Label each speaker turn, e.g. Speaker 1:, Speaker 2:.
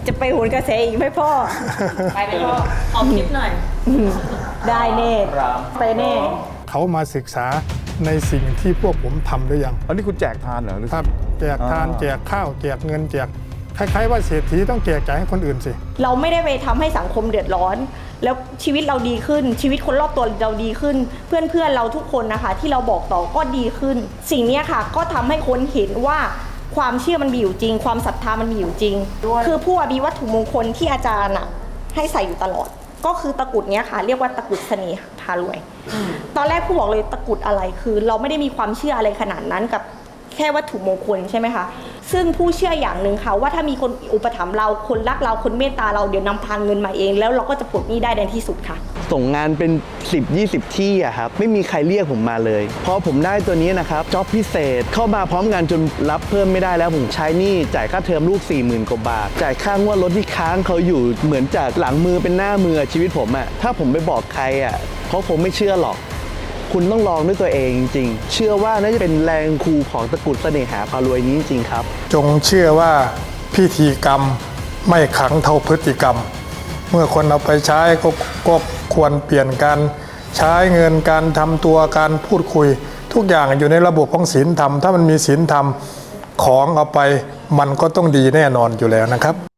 Speaker 1: จะไปโหนกระแสอีกไหมพ่อ
Speaker 2: ไปไหมพ่อขอคลิปหน่อย
Speaker 1: ได้แน่ไปแน่
Speaker 3: เขามาศึกษาในสิ่งที่พวกผมทำหรือยัง
Speaker 4: อันนี้คุณแจกทานเหรอหรือ
Speaker 3: ครับแจกทานแจกข้าวแจกเงินแจกคล้ายๆว่าเศรษฐีต้องแจกจ่ายให้คนอื่นสิ
Speaker 1: เราไม่ได้ไปทำให้สังคมเดือดร้อน แล้วชีวิตเราดีขึ้น ชีวิตคนรอบตัวเราดีขึ้น เพื่อนๆเราทุกคนนะคะ ที่เราบอกต่อก็ดีขึ้น สิ่งนี้ค่ะก็ทำให้คนเห็นว่าความเชื่อมันมีอยู่จริง ความศรัทธามันมีอยู่จริง คือผู้อภิวัตถุมงคลที่อาจารย์อะให้ใส่อยู่ตลอด ก็คือตะกรุดเนี้ยค่ะ เรียกว่าตะกรุดเสน่ห์พารวย ตอนแรกผู้บอกเลยตะกรุดอะไรคือ เราไม่ได้มีความเชื่ออะไรขนาดนั้นกับแค่วัตถุมงคลใช่ไหมคะซึ่งผู้เชื่ออย่างหนึ่งค่ะว่าถ้ามีคนอุปถัมภ์เราคนรักเราคนเมตตาเราเดี๋ยวนำพาเงินมาเองแล้วเราก็จะปลดหนี้ได้ในที่สุดค่ะ
Speaker 5: ส่งงานเป็น 10-20 ที่อะครับไม่มีใครเรียกผมมาเลยพอผมได้ตัวนี้นะครับจ็อบพิเศษเข้ามาพร้อมงานจนรับเพิ่มไม่ได้แล้วผมใช้หนี้จ่ายค่าเทอมลูก 40,000 กว่าบาทจ่ายค่างวดรถที่ค้างเขาอยู่เหมือนจากหลังมือเป็นหน้ามือชีวิตผมอะถ้าผมไปบอกใครอะเขาคงไม่เชื่อหรอกคุณต้องลองด้วยตัวเองจริงๆเชื่อว่าน่าจะเป็นแรงคูของตะกรุดเสน่หาพารวยนี้จริงๆครับ
Speaker 3: จงเชื่อว่าพิธีกรรมไม่ขลังเท่าพฤติกรรม เมื่อคนเอาไปใช้ก็ควรเปลี่ยนการใช้เงินการทำตัวการพูดคุย ทุกอย่างอยู่ในระบบของศีลธรรมถ้ามันมีศีลธรรมของเอาไปมันก็ต้องดีแน่นอนอยู่แล้วนะครับ